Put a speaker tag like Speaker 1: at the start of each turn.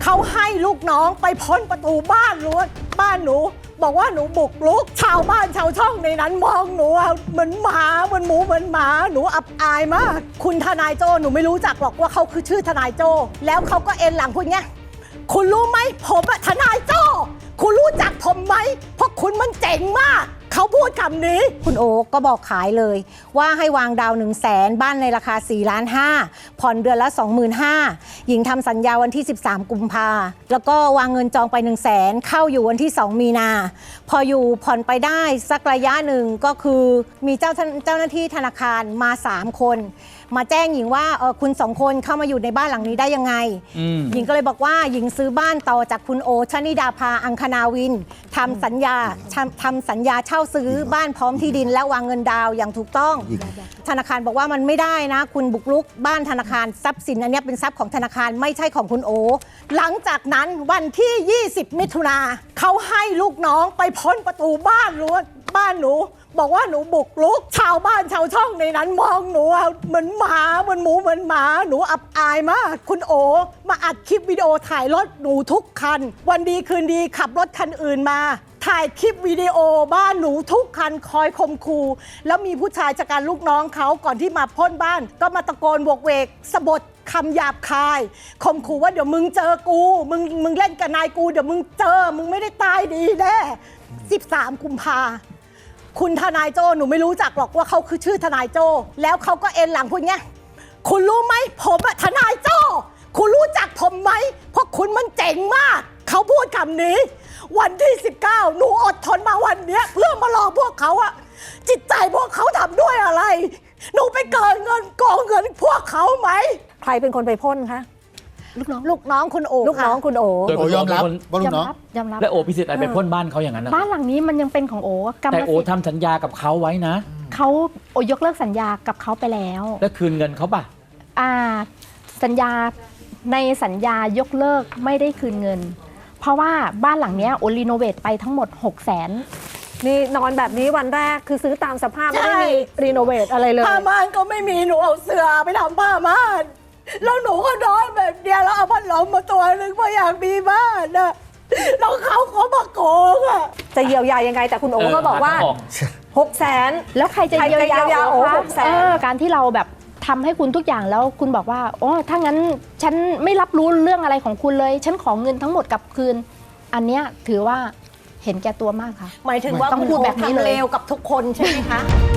Speaker 1: เขาให้ลูกน้องไปพ้นประตูบ้านรั้วบ้านหนูบอกว่าหนูบุกรุกชาวบ้านชาวช่องในนั้นมองหนูเหมือนหมาเหมือนหมูเหมือนหมาหนูอับอายมากคุณทนายโจ้หนูไม่รู้จักหรอกว่าเขาคือชื่อทนายโจ้แล้วเขาก็เอ็นหลังคุณไงคุณรู้ไหมผมทนายโจ้คุณรู้จักผมไหมเพราะคุณมันเจ๋งมากเขาพูดคำนี้คุณโอ๊กก็บอกขายเลยว่าให้วางดาว100,000บ้านในราคา4.5 ล้านผ่อนเดือนละ 25,000หญิงทำสัญญาวันที่13กุมภาแล้วก็วางเงินจองไป100,000เข้าอยู่วันที่2มีนาพออยู่ผ่อนไปได้สักระยะหนึ่งก็คือมีเจ้าหน้าที่ธนาคารมา3คนมาแจ้งหญิงว่าคุณ2คนเข้ามาอยู่ในบ้านหลังนี้ได้ยังไงหญิงก็เลยบอกว่าหญิงซื้อบ้านต่อจากคุณโอชนิดาภาอังคณาวินทำสัญญาเช่าซื้อบ้านพร้อมที่ดินและวางเงินดาวอย่างถูกต้องธนาคารบอกว่ามันไม่ได้นะคุณบุกรุกบ้านธนาคารทรัพย์สินอันนี้เป็นทรัพย์ของธนาคารไม่ใช่ของคุณโอหลังจากนั้นวันที่20มิถุนาเขาให้ลูกน้องไปพ้นประตูบ้านรั้วบ้านหนูบอกว่าหนูบุกรุกชาวบ้านชาวช่องในนั้นมองหนูเหมือนหมาเหมือนหมูเหมือนหมาหนูอับอายมากคุณโอมาอัดคลิปวิดีโอถ่ายรถหนูทุกคันวันดีคืนดีขับรถคันอื่นมาถ่ายคลิปวิดีโอบ้านหนูทุกคันคอยข่มขู่แล้วมีผู้ชายจากการลูกน้องเขาก่อนที่มาพ่นบ้านก็มาตะโกนโวกเวกสบถคำหยาบคายข่มขู่ว่าเดี๋ยวมึงเจอกูมึงเล่นกับนายกูเดี๋ยวมึงเจอมึงไม่ได้ตายดีแน่13กุมภาคุณทนายโจ้หนูไม่รู้จักหรอกว่าเขาคือชื่อทนายโจ้แล้วเขาก็เอ็นหลังคุณไงคุณรู้ไหมผมทนายโจ้คุณรู้จักผมไหมเพราะคุณมันเจ๋งมากเขาพูดคำนี้วันที่19หนูอดทนมาวันนี้เพื่อมารอพวกเขาอะจิตใจพวกเขาทำด้วยอะไรหนูไปเกินเงินกองเงินพวกเขาไหม
Speaker 2: ใครเป็นคนไปพ่นคะ
Speaker 1: ลูกน้องคุณโอ
Speaker 2: ลูกน้องคุณโอ
Speaker 3: โอยอมรับว่าลูกน้อง
Speaker 4: ยอมรับ
Speaker 3: และโอพิสิทธิ์อะไรไปพ่นบ้านเขาอย่างนั้นนะ
Speaker 4: บ้านหลังนี้มันยังเป็นของโอกรรมสิทธิ์
Speaker 3: แต่โอทำสัญญากับเขาไว้นะ
Speaker 4: เขาโอยกเลิกสัญญากับเขาไปแล้ว
Speaker 3: แล้วคืนเงินเขาป่ะ
Speaker 4: สัญญาในสัญญายกเลิกไม่ได้คืนเงินเพราะว่าบ้านหลังนี้โอรีโนเวทไปทั้งหมด600,000
Speaker 2: นี่นอนแบบนี้วันแรกคือซื้อตามสภาพไม่ได้มีรีโนเวทอะไรเลย
Speaker 1: ผ้าม่านก็ไม่มีหนูเอาเสื้อไปทำผ้าม่านแล้วหนูก็นอนแบบเดียวแล้วเอาพัดลมมาตัวนึงเพราะอยากมีบ้านนะแล้วเขามาโกงอะ
Speaker 2: จะเยียวยายังไงแต่คุณโอก็บอกว่า600,000
Speaker 4: แล้วใครจะเยียวยา
Speaker 2: โอ
Speaker 4: 600,000การที่เราแบบทำให้คุณทุกอย่างแล้วคุณบอกว่าโอ้ถ้างั้นฉันไม่รับรู้เรื่องอะไรของคุณเลยฉันขอเงินทั้งหมดกลับคืนอันเนี้ยถือว่าเห็นแก่ตัวมากค่ะ
Speaker 1: หมายถึงว่า
Speaker 4: ต้องพูดแบบนี้เลย
Speaker 1: เลวกับทุกคนใช่ไหมคะ